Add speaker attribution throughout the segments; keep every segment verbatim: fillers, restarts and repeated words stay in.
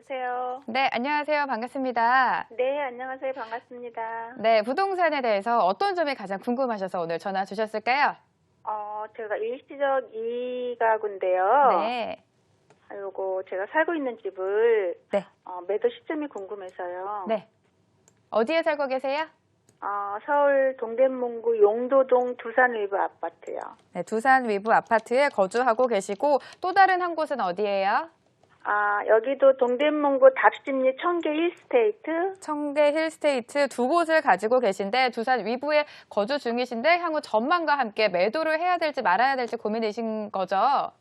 Speaker 1: 여보세요.
Speaker 2: 네, 안녕하세요. 반갑습니다.
Speaker 1: 네, 안녕하세요. 반갑습니다.
Speaker 2: 네, 부동산에 대해서 어떤 점이 가장 궁금하셔서 오늘 전화 주셨을까요?
Speaker 1: 어, 제가 일시적 이가구인데요.
Speaker 2: 네.
Speaker 1: 아, 요거 제가 살고 있는 집을
Speaker 2: 네.
Speaker 1: 어, 매도 시점이 궁금해서요.
Speaker 2: 네. 어디에 살고 계세요?
Speaker 1: 어, 서울 동대문구 용도동 두산 위브 아파트요.
Speaker 2: 네, 두산 위브 아파트에 거주하고 계시고 또 다른 한 곳은 어디예요?
Speaker 1: 아, 여기도 동대문구 답심리 청계 힐스테이트.
Speaker 2: 청계 힐스테이트 두 곳을 가지고 계신데 두산 위브에 거주 중이신데 향후 전망과 함께 매도를 해야 될지 말아야 될지 고민이신 거죠?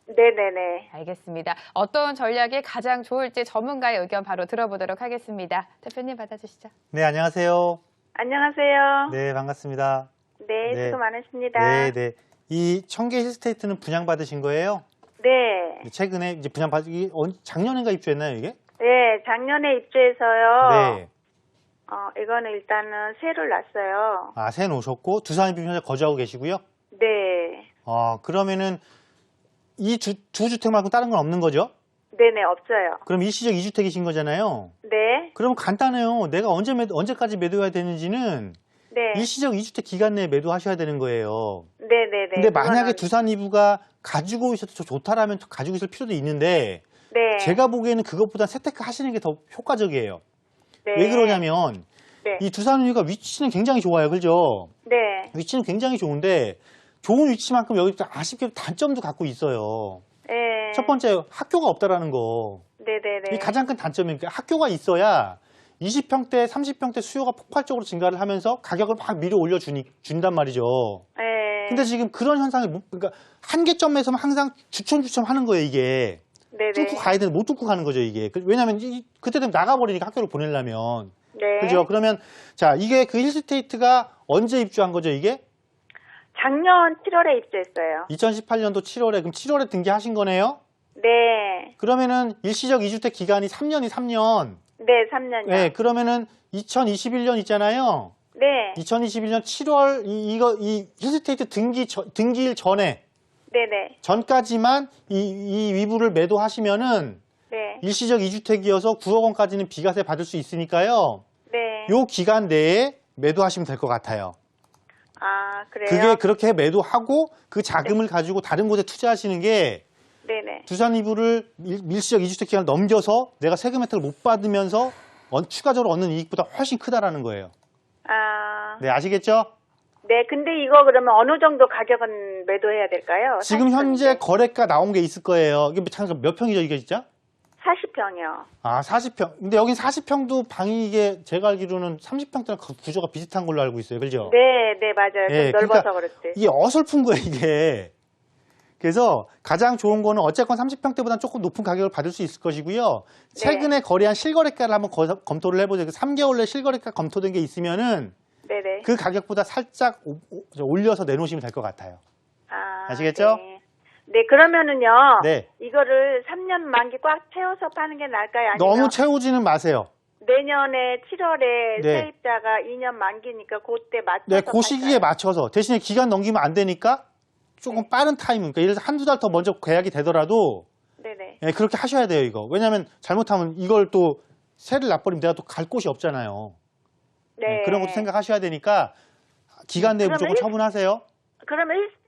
Speaker 1: 네네네.
Speaker 2: 알겠습니다. 어떤 전략이 가장 좋을지 전문가의 의견 바로 들어보도록 하겠습니다. 대표님 받아주시죠.
Speaker 3: 네, 안녕하세요.
Speaker 1: 안녕하세요.
Speaker 3: 네, 반갑습니다.
Speaker 1: 네,
Speaker 3: 네.
Speaker 1: 수고 많으십니다.
Speaker 3: 네, 네. 이 청계 힐스테이트는 분양받으신 거예요?
Speaker 1: 네.
Speaker 3: 최근에 이제 분양받기, 작년인가 입주했나요, 이게?
Speaker 1: 네, 작년에 입주해서요.
Speaker 3: 네.
Speaker 1: 어, 이거는 일단은 새를 놨어요.
Speaker 3: 아, 새 놓으셨고, 두산에 현재 거주하고 계시고요?
Speaker 1: 네.
Speaker 3: 어, 그러면은 이 두, 두 주택 말고 다른 건 없는 거죠?
Speaker 1: 네네, 없어요.
Speaker 3: 그럼 일시적 이 주택이신 거잖아요?
Speaker 1: 네.
Speaker 3: 그럼 간단해요. 내가 언제 매도, 언제까지 매도해야 되는지는
Speaker 1: 네.
Speaker 3: 일시적 이 주택 기간 내에 매도하셔야 되는 거예요.
Speaker 1: 네네네.
Speaker 3: 근데 만약에
Speaker 1: 그거는-
Speaker 3: 두산 이브가 가지고 있어도 좋다라면 가지고 있을 필요도 있는데,
Speaker 1: 네.
Speaker 3: 제가 보기에는 그것보다 세테크 하시는 게 더 효과적이에요.
Speaker 1: 네.
Speaker 3: 왜 그러냐면
Speaker 1: 네.
Speaker 3: 이 두산 우유가 위치는 굉장히 좋아요. 그죠?
Speaker 1: 네.
Speaker 3: 위치는 굉장히 좋은데 좋은 위치만큼 여기 아쉽게도 단점도 갖고 있어요.
Speaker 1: 네.
Speaker 3: 첫 번째 학교가 없다라는 거.
Speaker 1: 네네네.
Speaker 3: 이게 가장 큰 단점이니까 학교가 있어야 이십 평대, 삼십 평대 수요가 폭발적으로 증가를 하면서 가격을 막 밀어 올려 주니 준단 말이죠.
Speaker 1: 네.
Speaker 3: 근데 지금 그런 현상이 못- 그러니까 한계점에서만 항상 주춤주춤 하는 거예요, 이게.
Speaker 1: 네네.
Speaker 3: 뚫고 가야 되는데 못 뚫고 가는 거죠, 이게. 그- 왜냐면 이- 그때 되면 나가버리니까 학교를 보내려면.
Speaker 1: 네.
Speaker 3: 그죠? 그러면 자, 이게 그 힐스테이트가 언제 입주한 거죠, 이게?
Speaker 1: 작년 칠월에 입주했어요.
Speaker 3: 이천십팔 년도 칠월에, 그럼 칠월에 등기하신 거네요?
Speaker 1: 네.
Speaker 3: 그러면은 일시적 이 주택 기간이 삼 년이 삼 년.
Speaker 1: 네, 삼 년요.
Speaker 3: 네, 그러면은 이천이십일 년 있잖아요.
Speaker 1: 네.
Speaker 3: 이천이십일 년 칠월 이, 이거 이 힐스테이트 등기 저- 등기일 전에
Speaker 1: 네네.
Speaker 3: 전까지만 이, 이 위부를 매도하시면은
Speaker 1: 네.
Speaker 3: 일시적 이 주택이어서 구억 원까지는 비과세 받을 수 있으니까요.
Speaker 1: 네.
Speaker 3: 요 기간 내에 매도하시면 될 것 같아요.
Speaker 1: 아, 그래요?
Speaker 3: 그게 그렇게 매도하고 그 자금을 가지고 다른 곳에 투자하시는 게
Speaker 1: 네네.
Speaker 3: 두산 이부를 일- 일시적 이 주택 기간을 넘겨서 내가 세금 혜택을 못 받으면서 언- 추가적으로 얻는 이익보다 훨씬 크다라는 거예요.
Speaker 1: 아,
Speaker 3: 네, 아시겠죠?
Speaker 1: 네. 근데 이거 그러면 어느 정도 가격은 매도해야 될까요?
Speaker 3: 지금 현재 거래가 나온 게 있을 거예요. 이게 잠깐 몇 평이죠, 이게 진짜?
Speaker 1: 사십 평이요.
Speaker 3: 아, 사십 평. 근데 여긴 사십 평도 방이 이게 제가 알기로는 삼십 평대랑 구조가 비슷한 걸로 알고 있어요. 그죠?
Speaker 1: 네, 네, 맞아요.
Speaker 3: 예,
Speaker 1: 좀 넓어서
Speaker 3: 그러니까
Speaker 1: 그렇지.
Speaker 3: 이게 어설픈 거예요, 이게. 그래서 가장 좋은 거는 어쨌건 삼십 평대보다는 조금 높은 가격을 받을 수 있을 것이고요. 최근에 거래한 실거래가를 한번 거- 검토를 해보세요. 삼 개월 내 실거래가 검토된 게 있으면은
Speaker 1: 네네.
Speaker 3: 그 가격보다 살짝 오- 오- 올려서 내놓으시면 될 것 같아요.
Speaker 1: 아,
Speaker 3: 아시겠죠?
Speaker 1: 네. 네, 그러면은요.
Speaker 3: 네.
Speaker 1: 이거를 삼 년 만기 꽉 채워서 파는 게 나을까요? 아니면
Speaker 3: 너무 채우지는 마세요.
Speaker 1: 내년에 칠월에
Speaker 3: 네.
Speaker 1: 세입자가 이 년 만기니까 그때 맞춰서
Speaker 3: 네, 그 시기에
Speaker 1: 팔까요?
Speaker 3: 맞춰서 대신에 기간 넘기면 안 되니까 조금
Speaker 1: 네.
Speaker 3: 빠른 타이밍, 그러니까 예를 들어서 한두 달 더 먼저 계약이 되더라도
Speaker 1: 네네.
Speaker 3: 예, 그렇게 하셔야 돼요, 이거. 왜냐하면 잘못하면 이걸 또 세를 놔버리면 내가 또 갈 곳이 없잖아요.
Speaker 1: 네.
Speaker 3: 예, 그런 것도 생각하셔야 되니까 기간 내에
Speaker 1: 그러면
Speaker 3: 무조건
Speaker 1: 일-
Speaker 3: 처분하세요.
Speaker 1: 그러면